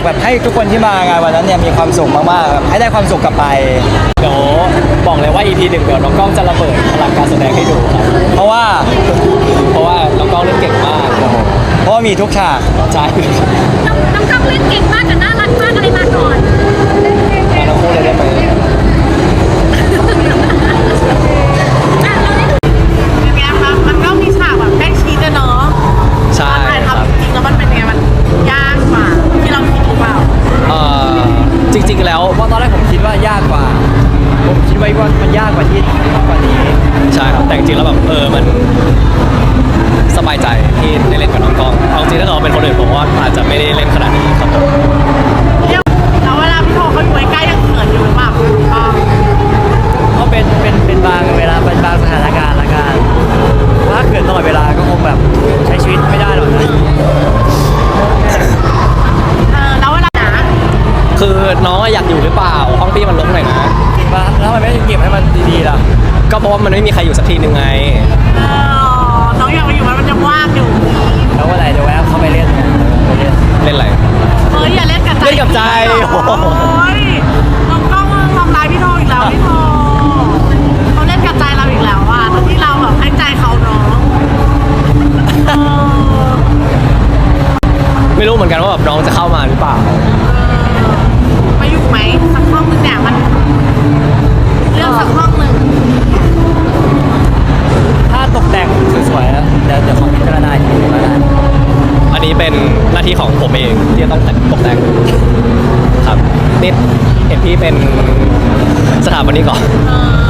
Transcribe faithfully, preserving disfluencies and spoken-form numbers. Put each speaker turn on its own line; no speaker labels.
แบบให้ทุกคนที่มางานวันนั้นเนี่ยมีความสุขมากๆแบบให้ได้ความสุขกลับไป
เดี๋ยวบอกเลยว่า อี พี หนึ่งเดี๋ยวน้องกล้องจะระเบิดพลังการแสดงให้ดูครับ
เพราะว่า
เพราะว่าน้องกล้องเล่นเก่งมากครับผม
เพราะว่ามีทุกฉาก
ใช่
น้องน้องกล้องเล่นเก่งมากกับน่ารักมากอะไรมาก่อน
มาทั้งคู่เลยได้ไหม
มันก็มีฉากแบบใกล้ชิดอะเนาะ
ใช่
ครับจริงแล้วมันเป็นไงมันยากกว่าที่เราคิดหรือเปล่า
เออจริงๆแล้ว
เพราะตอนแรกผมคิดว่ายากกว่าผมคิดไว้ว่ามันยากกว่าที่กว่านี้
ใช่ครับแต่จริงๆแล้วแบบเออมันสบายใจที่ได้เล่นกับน้องกล้องเอาจริงถ้าเราเป็นคนอื่นผมว่าอาจจะไม่ได้เล่นขนาดนี้ครับผม
แล้วเวลาพี่โทเขาอยู่ใกล้ๆยังเขินอยู่หรือเปล่า
ก็เป็นเป็นเป็นบางเวลาเป็นบางสถานการณ์ละกันถ้าเกิดตลอดเวลาก็คงแบบใช้ชีวิตไม่ได้หรอกนะ
เออแล้วเวลาหนา
คือน้องอยากอยู่หรือเปล่าห้องพี่มันรกหน่อยนะ
จริงปะแล้วมันไม่เก็บให้มันดีๆล่ะ
ก็เพราะว่ามันไม่มีใครอยู่สักทีหนึ่งไง
เออน้องอยากไปอยู่มันมันยังว่างอยู่
แล้วเมื่อไหร่จะแวะเข้าไปเล่นไปเล่น
เล่นอะไร
เฮ้ยอย่าเล่นกับใจ
เล่นกับใจ
โอ้ยน้องกล้องทำร้ายพี่โทอีกแล้วพี่โทเขาเล่นกับใจเราอีกแล้วอ่ะตอนที่เราแบบให้ใจเขาเนาะ
ไม่รู้เหมือนกันว่าแบบน้องจะเข้ามาหรือเปล่า
มาอยู่ไหมสักห้องนึงเนี่ยมันเลือกสักห้องหนึ่ง
ถ้าตกแต่งสวยๆเดี๋ยวเดี๋ยวขอพิจารณาอีกทีแล้วกัน
อันนี้เป็นหน้าที่ของผมเองที่จะต้องตกแต่งครับนี่เห็นพี่เป็นสถาปนิกก่อน